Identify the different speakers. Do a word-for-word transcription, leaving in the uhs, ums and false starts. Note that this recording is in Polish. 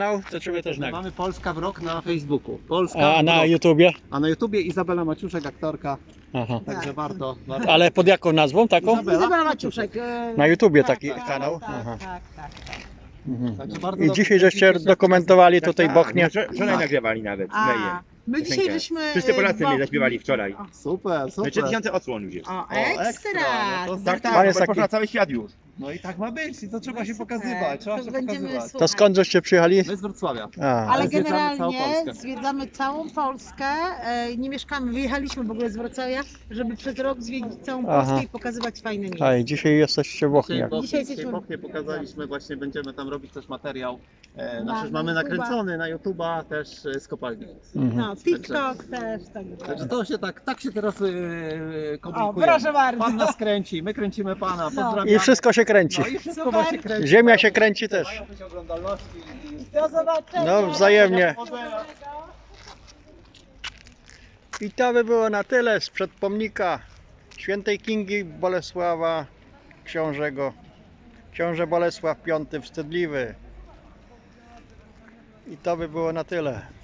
Speaker 1: To trzeba też nagrać.
Speaker 2: Mamy Polska w rok na Facebooku. Polska
Speaker 1: A
Speaker 2: w
Speaker 1: na
Speaker 2: rok.
Speaker 1: YouTubie?
Speaker 2: A na YouTubie Izabela Maciuszek, aktorka.
Speaker 1: Aha.
Speaker 2: Także warto, warto.
Speaker 1: Ale pod jaką nazwą taką?
Speaker 2: Izabela?
Speaker 3: Izabela Maciuszek. e,
Speaker 1: Na YouTubie
Speaker 3: tak,
Speaker 1: taki
Speaker 3: tak,
Speaker 1: kanał?
Speaker 3: Tak,
Speaker 1: Aha.
Speaker 3: tak, tak, tak.
Speaker 1: Mhm.
Speaker 2: Także bardzo
Speaker 1: I
Speaker 2: dobrze
Speaker 1: dzisiaj żeście
Speaker 2: kręcicie się.
Speaker 1: dokumentowali tutaj
Speaker 4: Tak,
Speaker 1: Bochnię.
Speaker 4: no, wczor- Wczoraj nagrywali nawet.
Speaker 3: A,
Speaker 4: Leje.
Speaker 3: my dzisiaj
Speaker 4: Piosenkę.
Speaker 3: żeśmy...
Speaker 4: Wszyscy Polacy
Speaker 3: e,
Speaker 4: mnie
Speaker 3: bo-
Speaker 4: zaśpiewali wczoraj.
Speaker 3: O,
Speaker 2: Super,
Speaker 4: No
Speaker 2: super.
Speaker 4: trzy tysiące odsłon już jest.
Speaker 3: o,
Speaker 2: O,
Speaker 3: ekstra!
Speaker 2: ekstra, no to
Speaker 4: Tak,
Speaker 1: Pan
Speaker 4: tak,
Speaker 1: jest
Speaker 4: bo
Speaker 1: taki-
Speaker 4: poszło na cały świat już.
Speaker 2: No i tak ma być i to trzeba się
Speaker 3: Super.
Speaker 2: pokazywać, trzeba
Speaker 3: To
Speaker 2: się
Speaker 3: będziemy
Speaker 2: pokazywać.
Speaker 1: To skąd żeście przyjechali?
Speaker 2: My z Wrocławia.
Speaker 1: A,
Speaker 3: Ale
Speaker 2: Zwiedzamy całą
Speaker 3: generalnie
Speaker 2: Polskę.
Speaker 3: zwiedzamy całą Polskę, e, nie mieszkamy, wyjechaliśmy w ogóle z Wrocławia, żeby przez rok zwiedzić całą
Speaker 1: Aha.
Speaker 3: Polskę i pokazywać fajne miejsca.
Speaker 1: a i dzisiaj jesteście w Bochni.
Speaker 2: Dzisiaj,
Speaker 1: jak-
Speaker 2: bo,
Speaker 3: Dzisiaj
Speaker 2: dzisiaj
Speaker 3: jesteśmy-
Speaker 2: Bochnię pokazaliśmy, właśnie będziemy tam robić też materiał. E,
Speaker 3: Na
Speaker 2: nasz mamy
Speaker 3: YouTube'a.
Speaker 2: nakręcony na YouTube'a też e, z kopalni.
Speaker 1: Mhm.
Speaker 3: No, TikTok też, także.
Speaker 2: Także to się tak, tak się teraz yy,
Speaker 3: O,
Speaker 2: komunikuje.
Speaker 3: proszę bardzo.
Speaker 2: Pan nas kręci, my kręcimy pana,
Speaker 3: No.
Speaker 2: pozdrawiamy.
Speaker 1: I wszystko się kręci.
Speaker 2: No i wszystko
Speaker 3: Super.
Speaker 2: ma się kręci.
Speaker 1: Ziemia się kręci też.
Speaker 2: Mają być oglądalności i...
Speaker 3: Do zobaczenia!
Speaker 1: No wzajemnie.
Speaker 2: Powodzenia.
Speaker 1: I to by było na tyle sprzed pomnika świętej Kingi Bolesława Książego. Książę Bolesław Piąty Wstydliwy. I to by było na tyle.